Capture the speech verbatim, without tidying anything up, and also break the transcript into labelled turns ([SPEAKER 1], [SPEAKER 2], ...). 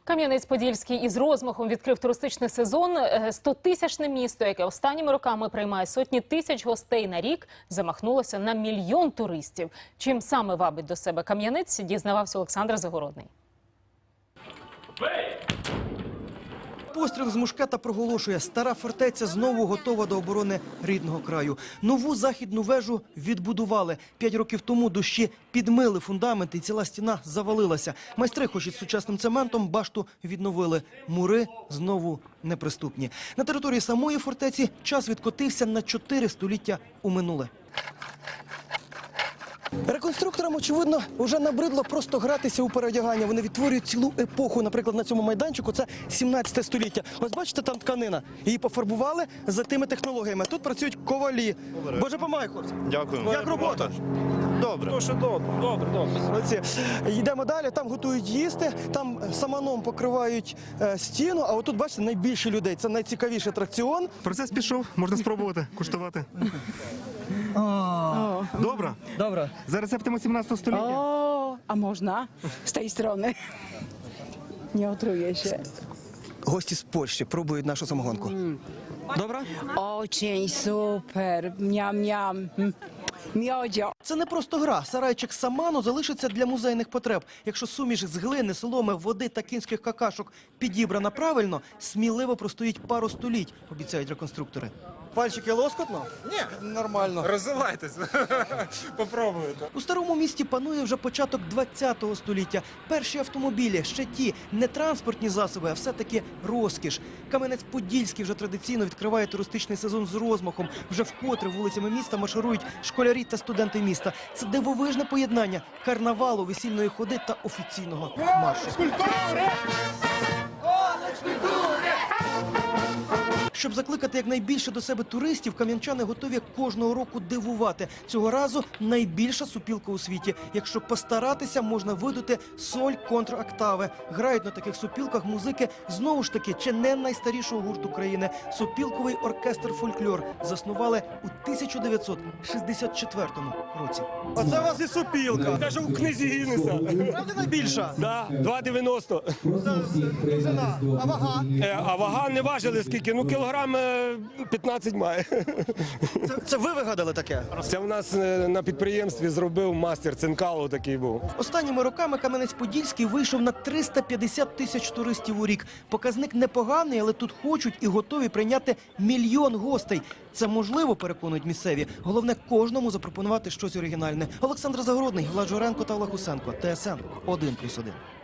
[SPEAKER 1] Кам'янець-Подільський із розмахом відкрив туристичний сезон. Стотисячне місто, яке останніми роками приймає сотні тисяч гостей на рік, замахнулося на мільйон туристів. Чим саме вабить до себе Кам'янець, дізнавався Олександр Загородний.
[SPEAKER 2] Постріл з мушкета проголошує: стара фортеця знову готова до оборони рідного краю. Нову західну вежу відбудували. П'ять років тому дощі підмили фундамент і ціла стіна завалилася. Майстри, хоч із сучасним цементом, башту відновили. Мури знову неприступні. На території самої фортеці час відкотився на чотири століття у минуле. Реконструкторам, очевидно, вже набридло просто гратися у переодягання. Вони відтворюють цілу епоху. Наприклад, на цьому майданчику це сімнадцяте століття. Ось бачите, там тканина. Її пофарбували за тими технологіями. Тут працюють ковалі. Боже помагай, хлопці.
[SPEAKER 3] Дякую.
[SPEAKER 2] Як робота?
[SPEAKER 3] Добре.
[SPEAKER 4] Дуже добре, добре, добре.
[SPEAKER 2] Оці. Йдемо далі, там готують їсти, там саманом покривають е, стіну, а отут, бачите, найбільше людей. Це найцікавіший атракціон.
[SPEAKER 3] Процес пішов, можна спробувати, куштувати. Добре?
[SPEAKER 2] Добре.
[SPEAKER 3] За рецептами сімнадцятого століття.
[SPEAKER 5] O, a można z tej strony. Nie otruję się.
[SPEAKER 2] Гості з Польщі пробують нашу самогонку. Добре?
[SPEAKER 5] Очень super. Miam, miam. Mm. Miodzio.
[SPEAKER 2] Це не просто гра. Сарайчик саману залишиться для музейних потреб. Якщо суміш з глини, соломи, води та кінських какашок підібрана правильно, сміливо простоїть пару століть, обіцяють реконструктори. Пальчики лоскотно?
[SPEAKER 4] Ні,
[SPEAKER 2] Нормально.
[SPEAKER 4] розвивайтесь, попробуйте.
[SPEAKER 2] У старому місті панує вже початок двадцятого століття. Перші автомобілі, ще ті, не транспортні засоби, а все-таки розкіш. Кам'янець-Подільський вже традиційно відкриває туристичний сезон з розмахом. Вже вкотре вулицями міста марширують школярі та студенти міста. Це дивовижне поєднання карнавалу, весільної ходи та офіційного маршу. Щоб закликати якнайбільше до себе туристів, кам'янчани готові кожного року дивувати. Цього разу найбільша супілка у світі. Якщо постаратися, можна видати соль контроктави. Грають на таких супілках музики, знову ж таки, чи не найстарішого гурту країни. Супілковий оркестр «Фольклор» заснували у тисяча дев'ятсот шістдесят четвертому році.
[SPEAKER 6] Оце у вас і супілка. Це ж у книзі Гіннеса.
[SPEAKER 2] Правда найбільша?
[SPEAKER 6] Да, два дев'яносто.
[SPEAKER 2] Ціна. А вага?
[SPEAKER 6] Е, а вага не важили скільки? Ну, кілограм е, п'ятнадцять має.
[SPEAKER 2] Це, це ви вигадали таке?
[SPEAKER 6] Це в нас е, на підприємстві зробив мастер Цинкало, такий був.
[SPEAKER 2] Останніми роками Кам'янець-Подільський вийшов на триста п'ятдесят тисяч туристів у рік. Показник непоганий, але тут хочуть і готові прийняти мільйон гостей. Це можливо, переконують місцеві. Головне кожному запропонувати щось оригінальне. Олександр Загородний, Влад Журенко та Олег Усенко. Т С Н один плюс один.